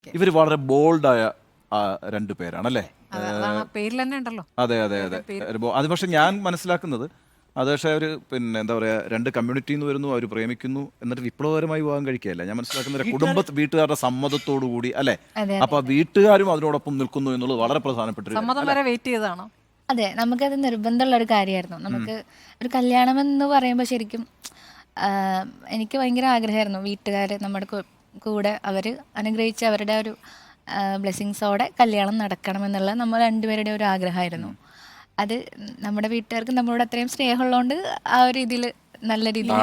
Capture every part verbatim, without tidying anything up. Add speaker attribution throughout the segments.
Speaker 1: ഇവർ വളരെ ബോൾഡായ രണ്ടു പേരാണല്ലേ?
Speaker 2: പേരിൽ തന്നെ ഉണ്ടല്ലോ.
Speaker 1: അതെ അതെ അതെ. അത് പക്ഷെ ഞാൻ മനസ്സിലാക്കുന്നത് അത് പക്ഷേ അവർ പിന്നെ എന്താ പറയുക, രണ്ട് കമ്മ്യൂണിറ്റിയിൽ നിന്ന് വരുന്നു, അവർ പ്രേമിക്കുന്നു, എന്നിട്ട് വിപ്ലവകരമായി വിവാഹം കഴിക്കുകയല്ല. ഞാൻ മനസ്സിലാക്കുന്നത് കുടുംബ വീട്ടുകാരുടെ സമ്മതത്തോടു കൂടി അല്ലേ? അപ്പൊ വീട്ടുകാരും അതിനോടൊപ്പം നിൽക്കുന്നു എന്നുള്ളത് വളരെ പ്രധാനപ്പെട്ട.
Speaker 2: സമ്മതം വരെ വെയിറ്റ് ചെയ്തതാണോ?
Speaker 3: അതെ, നമുക്കത് നിർബന്ധമുള്ള ഒരു കാര്യമായിരുന്നു. നമുക്ക് ഒരു കല്യാണം എന്ന് പറയുമ്പോൾ ശരിക്കും എനിക്ക് ഭയങ്കര ആഗ്രഹമായിരുന്നു വീട്ടുകാർ നമ്മുടെ കൂടെ അവർ അനുഗ്രഹിച്ച് അവരുടെ ഒരു ബ്ലെസ്സിങ്സോടെ കല്യാണം നടക്കണമെന്നുള്ള നമ്മൾ രണ്ടുപേരുടെ ഒരു ആഗ്രഹമായിരുന്നു. അത് നമ്മുടെ വീട്ടുകാർക്ക് നമ്മളോട് അത്രയും സ്നേഹമുള്ളതുകൊണ്ട് ആ ഒരു ഇതിൽ നല്ല രീതിയിൽ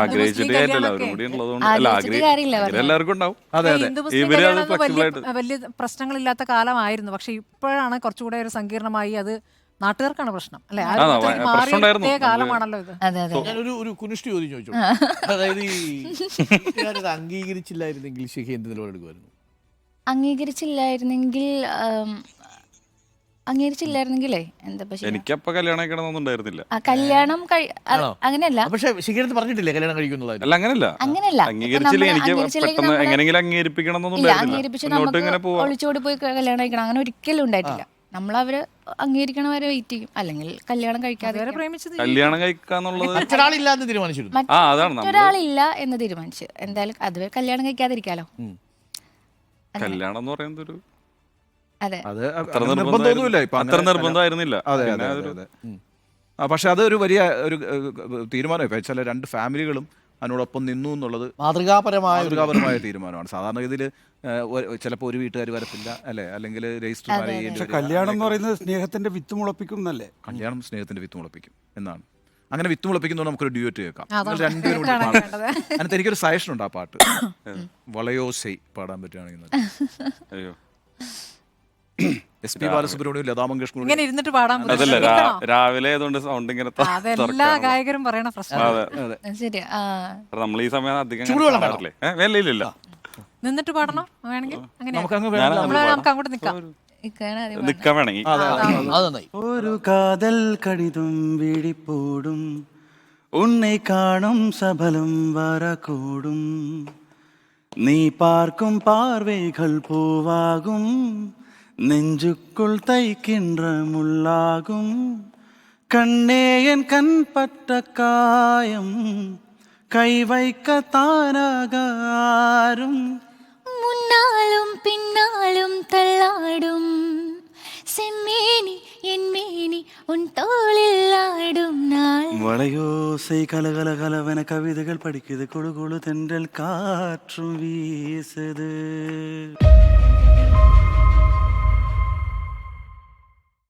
Speaker 2: വലിയ പ്രശ്നങ്ങളില്ലാത്ത കാലമായിരുന്നു. പക്ഷെ ഇപ്പോഴാണ് കുറച്ചുകൂടെ ഒരു സങ്കീർണമായി. അത് നാട്ടുകാർക്കാണ് പ്രശ്നം അല്ലെ? കാലമാണല്ലോ ഇത്.
Speaker 4: ഞാനൊരു ഒരു കുനിഷ്ടി ചോദ്യം ചോദിച്ചു. അതായത് ഈ അംഗീകരിച്ചില്ലായിരുന്നെങ്കിൽ ശിഖ എന്ത് നിലപാടെടുക്കുമായിരുന്നു?
Speaker 3: അംഗീകരിച്ചില്ലായിരുന്നെങ്കിൽ അംഗീകരിച്ചില്ലായിരുന്നെങ്കിലേ എന്താ
Speaker 5: എനിക്കപ്പ കല്യാണം കഴിക്കണമെന്നുണ്ടായിരുന്നില്ല.
Speaker 3: കല്യാണം അങ്ങനെയല്ല.
Speaker 4: പക്ഷെ ശിഖരത്ത് പറഞ്ഞിട്ടില്ലേ കല്യാണം കഴിക്കുന്നുള്ളത്?
Speaker 5: അല്ല, അങ്ങനല്ല
Speaker 3: അങ്ങനെയല്ല.
Speaker 5: അംഗീകരിച്ചില്ല, എനിക്ക് പെട്ടെന്ന് എങ്ങനെയെങ്കിലും അംഗീകരിപ്പിക്കണം എന്നൊന്നും
Speaker 3: ഒളിച്ചോടി പോയി കല്യാണം കഴിക്കണം അങ്ങനെ ഒരിക്കലും ഉണ്ടായിട്ടില്ല. നമ്മളവര് അംഗീകരിക്കണ വരെ വെയിറ്റ് ചെയ്യും, അല്ലെങ്കിൽ കല്യാണം കഴിക്കാതെ
Speaker 5: കല്യാണം കഴിക്കാന്നുള്ളത്
Speaker 4: മറ്റൊരാളില്ല എന്ന് തീരുമാനിച്ചു.
Speaker 3: മറ്റൊരാളില്ല എന്ന് തീരുമാനിച്ചു. എന്തായാലും അതുവരെ കല്യാണം കഴിക്കാതിരിക്കാലോ.
Speaker 5: കല്യാണം എന്ന് പറയുന്നത് ഒരു
Speaker 3: അതെ
Speaker 5: അത്ര നിർബന്ധമായിരുന്നില്ല.
Speaker 1: പക്ഷെ അത് ഒരു വലിയ ഒരു തീരുമാനമായി. ചില രണ്ട് ഫാമിലികളും അതിനോടൊപ്പം നിന്നു എന്നുള്ളത്
Speaker 4: മാതൃകാപരമായ
Speaker 1: മാതൃകാപരമായ തീരുമാനമാണ്. സാധാരണ ഇതിൽ ചിലപ്പോൾ ഒരു വീട്ടുകാർ വരത്തില്ല അല്ലെ, അല്ലെങ്കിൽ രജിസ്റ്റർ മാരേജ്.
Speaker 6: കല്യാണം എന്ന് പറയുന്നത് സ്നേഹത്തിന്റെ വിത്ത് മുളപ്പിക്കും എന്നല്ലേ?
Speaker 1: കല്യാണം സ്നേഹത്തിന്റെ വിത്ത് മുളപ്പിക്കും എന്നാണ്. അങ്ങനെ വിത്ത് മുളപ്പിക്കുന്നതുകൊണ്ട് നമുക്കൊരു ഡ്യൂറ്റ് കേൾക്കാം. രണ്ടുപേരും അതിനകത്ത് എനിക്കൊരു സജഷൻ ഉണ്ട്. ആ പാട്ട് വളയോസൈ പാടാൻ പറ്റുകയാണെങ്കിൽ എസ് പി ബാലസുബ്രഹ്മണ്യം, ലതാ മങ്കേഷ്കർ
Speaker 2: ഇങ്ങനെ ഇരുന്നിട്ട് പാടാൻ
Speaker 5: രാവിലെ സൗണ്ട് ഇങ്ങനെ
Speaker 2: എല്ലാ ഗായകരും പറയണ പ്രശ്നം.
Speaker 5: നമ്മൾ ഈ സമയം അധികം
Speaker 2: നിന്നിട്ട് പാടണം വേണമെങ്കിൽ നമുക്ക് അങ്ങോട്ട് നിൽക്കാം.
Speaker 5: നിക്കാൻ വേണമെങ്കിൽ
Speaker 6: ഒരു കാതൽ കടിതും വിഴിപ്പോടും ഉന്നെ കാണും സബലം വരകൂടും നീ പാർക്കും പാർവൈകൾ പൂവാകും നെഞ്ചുക്കുൾ തൈക്കിன்ற முள்ளாகும் கண்ணேயன் கண் பட்ட காயம் கை வைக்க தானாகாரும்
Speaker 3: முன்னாலும் பின்னாலும் தள்ளாடும் செம்மேனி என் மேனி உன் தோளில் ஆடும் நாள்.
Speaker 6: வளையோசை கலகல கலவன கவிதைகள் படிக்குது, குழு குழு தென்றல் காற்றும் வீசுது.